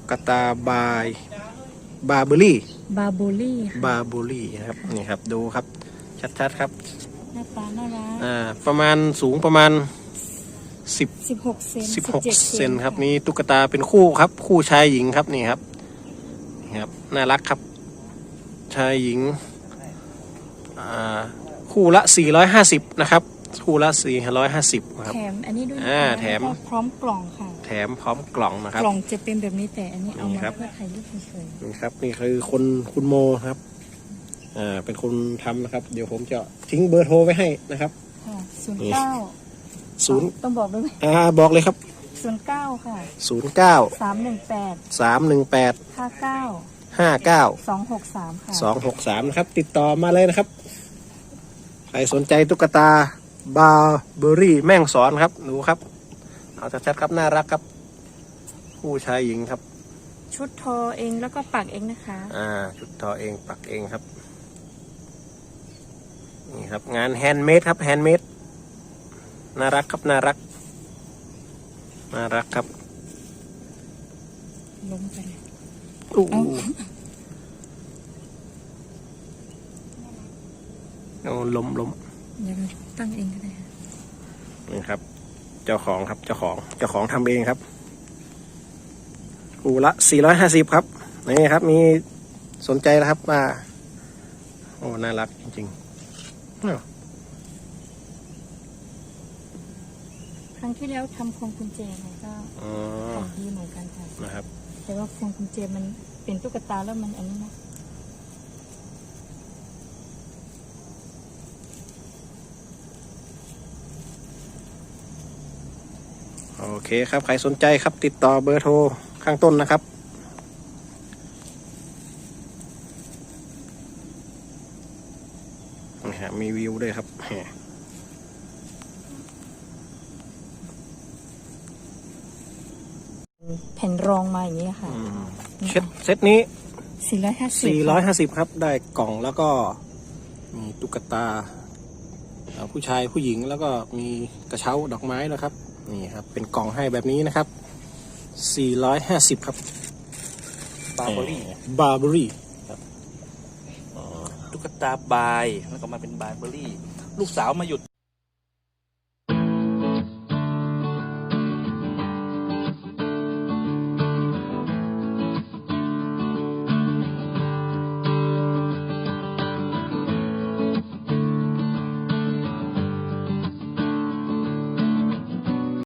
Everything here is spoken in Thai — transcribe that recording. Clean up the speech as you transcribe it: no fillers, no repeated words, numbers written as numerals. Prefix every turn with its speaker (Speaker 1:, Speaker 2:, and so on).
Speaker 1: กตาบาร์เบอรี่
Speaker 2: บาโบลี่
Speaker 1: บาร์เบอรี่นะครับนี่ครับดูครับชัดๆครับ
Speaker 2: หน้าตาน่ารัก
Speaker 1: ประมาณสูงประมาณ
Speaker 2: 16 เซน
Speaker 1: 16 เซนครับมีตุ๊กตาเป็นคู่ครับคู่ชายหญิงครับนี่ครับน่ารักครับชายหญิงคู่ละ450นะครับคู่ละ450ครับ
Speaker 2: แถมอันนี้ด้วย
Speaker 1: แถม
Speaker 2: พร้อมกล่องค่ะ
Speaker 1: แถมพร้อมกล่องนะครับ
Speaker 2: กล่องจะเป็นแบบนี้แต่อันนี้เอามาเพื่อถ่ายรูปเฉย
Speaker 1: ๆนี่ครับนี่คือคุณโมครับเป็นคนทำนะครับเดี๋ยวผมจะทิ้งเบอร์โทรไว้ให้นะครับ
Speaker 2: ค่ะ09ต้องบอกด้วยไหม
Speaker 1: บอกเลยครับ
Speaker 2: 09ค่ะ
Speaker 1: 09 318 59
Speaker 2: 263ค่ะ
Speaker 1: 263นะครับติดต่อมาเลยนะครับใครสนใจตุ๊กตาบาร์เบอรี่แม่งสอนครับดูครับเอาชัดๆครับน่ารักครับผู้ชายหญิงครับ
Speaker 2: ชุดทอเองแล้วก็ปักเองนะคะ
Speaker 1: ชุดทอเองปักเองครับนี่ครับงานแฮนด์เมดครับแฮนด์เมดน่ารักครับน่ารักครับ
Speaker 2: ล้มไปเลย
Speaker 1: ล้ม
Speaker 2: ยังตั้งเองก็ได้
Speaker 1: นี่ครับเจ้าของครับเจ้าของทำเองครับคู่ละ450ครับนี่ครับมีสนใจนะครับว่าโอ้น่ารักจริงๆ
Speaker 2: ครั้งที่แล้วทำพวงกุญแจไงก็ของดีเหมือนกันค่ะ
Speaker 1: นะครับ
Speaker 2: แต่ว่าพวงกุญแจมันเป็นตุ๊กตาแล้วมันอันนี้นะ
Speaker 1: โอเคครับใครสนใจครับติดต่อเบอร์โทรข้างต้นนะครับนี่ฮะมีวิวด้วยครับ
Speaker 2: แผ่นรองมาอย่างนี้ค่ะ
Speaker 1: เซตนี้
Speaker 2: 450
Speaker 1: ครับได้กล่องแล้วก็มีตุ๊กตาผู้ชายผู้หญิงแล้วก็มีกระเช้าดอกไม้นะครับนี่ครับเป็นกล่องให้แบบนี้นะครับ450ครับ
Speaker 3: บาร์เบอ
Speaker 1: รี่
Speaker 3: ครับตุ๊กตาบายแล้วก็มาเป็นบาร์เบอรี่ลูกสาวมาหยุด